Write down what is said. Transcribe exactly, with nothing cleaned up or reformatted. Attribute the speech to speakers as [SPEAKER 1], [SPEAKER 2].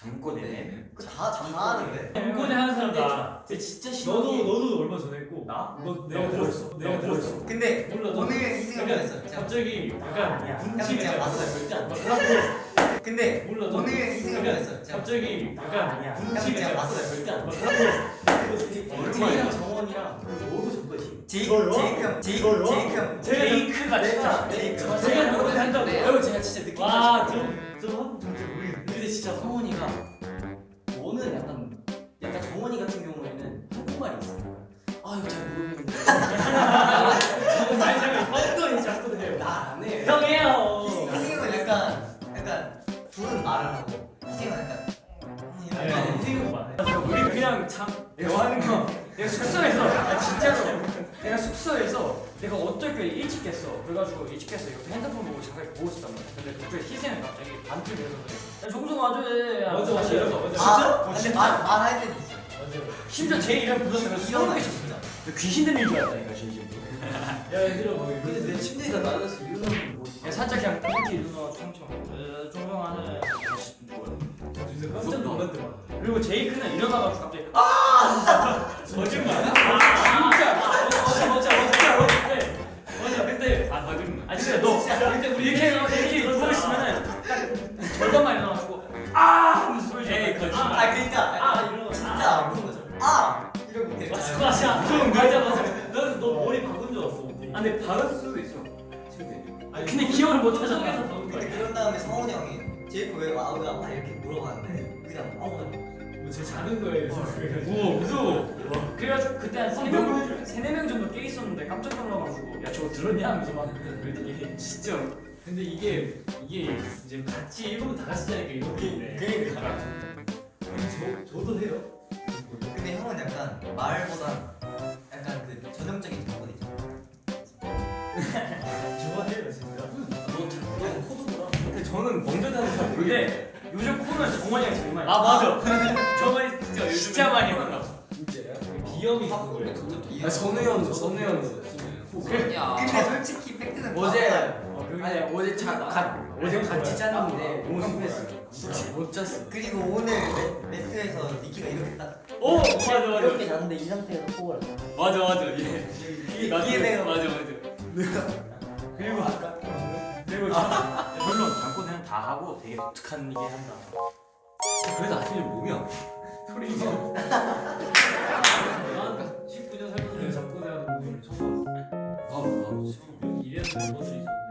[SPEAKER 1] 잠꼬대.
[SPEAKER 2] 다 장난하는데.
[SPEAKER 3] 잠꼬대 하는 사람 나.
[SPEAKER 1] 근데 진짜 싫어.
[SPEAKER 3] 너도 너도 얼마 전에 했고.
[SPEAKER 1] 나?
[SPEAKER 3] 너 내가 들었어. 내가 들었어.
[SPEAKER 2] 근데
[SPEAKER 3] 몰라. 너
[SPEAKER 2] 오늘 이 생각을 했어요. 제가.
[SPEAKER 3] 갑자기 약간
[SPEAKER 2] 야,
[SPEAKER 3] 분위기가
[SPEAKER 2] 제가
[SPEAKER 3] 왔어.
[SPEAKER 2] 봤어요.
[SPEAKER 1] 절대 안 돼.
[SPEAKER 2] 근데
[SPEAKER 3] 몰라. 너
[SPEAKER 2] 오늘 이 생각을 했어요. 제가.
[SPEAKER 3] 갑자기 약간
[SPEAKER 2] 제가
[SPEAKER 3] 분위기가
[SPEAKER 2] 봤어요.
[SPEAKER 3] 왔어.
[SPEAKER 1] 절대 안 돼.
[SPEAKER 3] 제이랑
[SPEAKER 1] 정원이랑 너도 잠꼬대.
[SPEAKER 2] 제이
[SPEAKER 3] 저요?
[SPEAKER 2] 제이크 형, 제이
[SPEAKER 3] 저요?
[SPEAKER 2] 제이크 형.
[SPEAKER 3] 제이크가 진짜.
[SPEAKER 2] 제이크.
[SPEAKER 3] 제가 잠꼬대 한다고.
[SPEAKER 1] 여러분 제가 진짜 느낀
[SPEAKER 3] 와,
[SPEAKER 1] 게
[SPEAKER 3] 좀 좀
[SPEAKER 1] 근데 진짜 성원이가 너는 약간 약간 정원이 같은 경우에는 한국말이 있어. 아 이거 잘 모르겠는데.
[SPEAKER 3] 아니 잠깐 어떤 잠꼬대 해요?
[SPEAKER 1] 나안 해.
[SPEAKER 3] 형 해요.
[SPEAKER 2] 이승형은 약간 약간 둘은 말을 하고 이승형은 약간
[SPEAKER 3] 아니,
[SPEAKER 2] 약간
[SPEAKER 3] 생각만 해. 우리 그냥 참 대화하는 거. 내가 숙소에서 아, 진짜로 내가 숙소에서 내가 어떻게 일찍 깼어. 그래가지고 일찍 깼어. 이렇게 핸드폰 보고 잠깐 보고 있었단 말이야. 근데 갑자기 희생이 갑자기 반쯤 돼서 야 정성 와줘야 돼.
[SPEAKER 1] 맞아, 맞아,
[SPEAKER 3] 이래서
[SPEAKER 1] 맞아.
[SPEAKER 2] 아,
[SPEAKER 3] 진짜?
[SPEAKER 2] 근데 말 말할 때도 있어요.
[SPEAKER 3] 맞아요. 심지어 제 이름 불렀으면
[SPEAKER 2] 이런
[SPEAKER 3] 소름
[SPEAKER 2] 거
[SPEAKER 3] 끼쳤어.
[SPEAKER 2] 진짜.
[SPEAKER 3] 귀신 들린 줄 알았다니까 진심으로. 야 얘들아 뭐
[SPEAKER 1] 근데 내 침대가 낮아서 일어나면 뭐.
[SPEAKER 3] 야 살짝 그냥 이렇게 일어나 총총. 종성하는
[SPEAKER 1] 깜짝 놀랐더만.
[SPEAKER 3] 그리고 제이크는 일어나가지고 갑자기 아! 거짓말. 아, 진짜. 맞아 맞아 맞아 맞아. 맞아 그때 아 거짓말. 아 진짜 너 그때 우리 이렇게 이렇게 누워 있으면은 딱 절반만 일어나가지고 아! 하면서 소리 져.
[SPEAKER 1] 에이, 거짓말.
[SPEAKER 2] 아 그러니까
[SPEAKER 3] 아
[SPEAKER 2] 약간
[SPEAKER 3] 이러고
[SPEAKER 2] 진짜 아픈 거죠. 아 이러고 이렇게.
[SPEAKER 3] 맞아 맞아. 맞아 맞아. 너너 너 머리 바꾼 줄 알았어.
[SPEAKER 1] 아 근데 박을 수도 있어. 침대.
[SPEAKER 3] 아니 근데 기억을 못 하잖아.
[SPEAKER 2] 근데 그런 다음에 성훈이 형이 제이크 왜 와? 왜 와? 이렇게 물어봤는데 그냥 아무거나.
[SPEAKER 3] 제 자는 거예요. 우와 무서워. 그래가지고 그때 한 세네 명, 세네 명 정도 깨 있었는데 깜짝 놀라가지고 야 저거 들었냐 하면서 막 그랬더니
[SPEAKER 1] 진짜.
[SPEAKER 3] 근데 이게 이게 이제 같이 일본 다 같이 자니까 이런 게 있네.
[SPEAKER 2] 그러니까.
[SPEAKER 3] 저 저도 해요.
[SPEAKER 2] 근데 형은 약간 말보다 약간 그 전형적인 정보이죠.
[SPEAKER 3] 좋아해요 진짜.
[SPEAKER 1] 너 코드구나.
[SPEAKER 3] 근데 저는 먼저 자는 사람. 근데 요즘 코는 정원이랑 제일 많이.
[SPEAKER 1] 아 맞아.
[SPEAKER 3] 정원이 진짜 요즘 진짜 많이 만나.
[SPEAKER 1] 진짜야?
[SPEAKER 3] 비염이 있는
[SPEAKER 2] 아,
[SPEAKER 3] 거예요.
[SPEAKER 1] 아 선우형 선우형.
[SPEAKER 4] 야.
[SPEAKER 2] 근데 솔직히 팩트는
[SPEAKER 4] 어제
[SPEAKER 2] 맞아요.
[SPEAKER 3] 어, 그게-
[SPEAKER 4] 아니 어제 자, 가, 어제 같이 잤는데 너무 심했어. 진짜 못 잤어.
[SPEAKER 2] 그리고 오늘 매, 매트에서 니키가 이렇게 딱
[SPEAKER 3] 오 맞아 맞아.
[SPEAKER 1] 이렇게 잤는데 이 상태에서 폭을 한.
[SPEAKER 3] 맞아 맞아 예.
[SPEAKER 2] 이게 내가
[SPEAKER 3] 맞아 맞아. 그리고 아까 그리고 저 물론 잠꼬대는 다 하고 되게 독특한 얘기 한다.
[SPEAKER 1] 그래도 아침에 몸이 아파.
[SPEAKER 3] 소리 좀. 십구 년 살면서 잠꼬대 하는 분을 처음 봤어.
[SPEAKER 1] 아, 아,
[SPEAKER 3] 이래서 멤버들이 있어.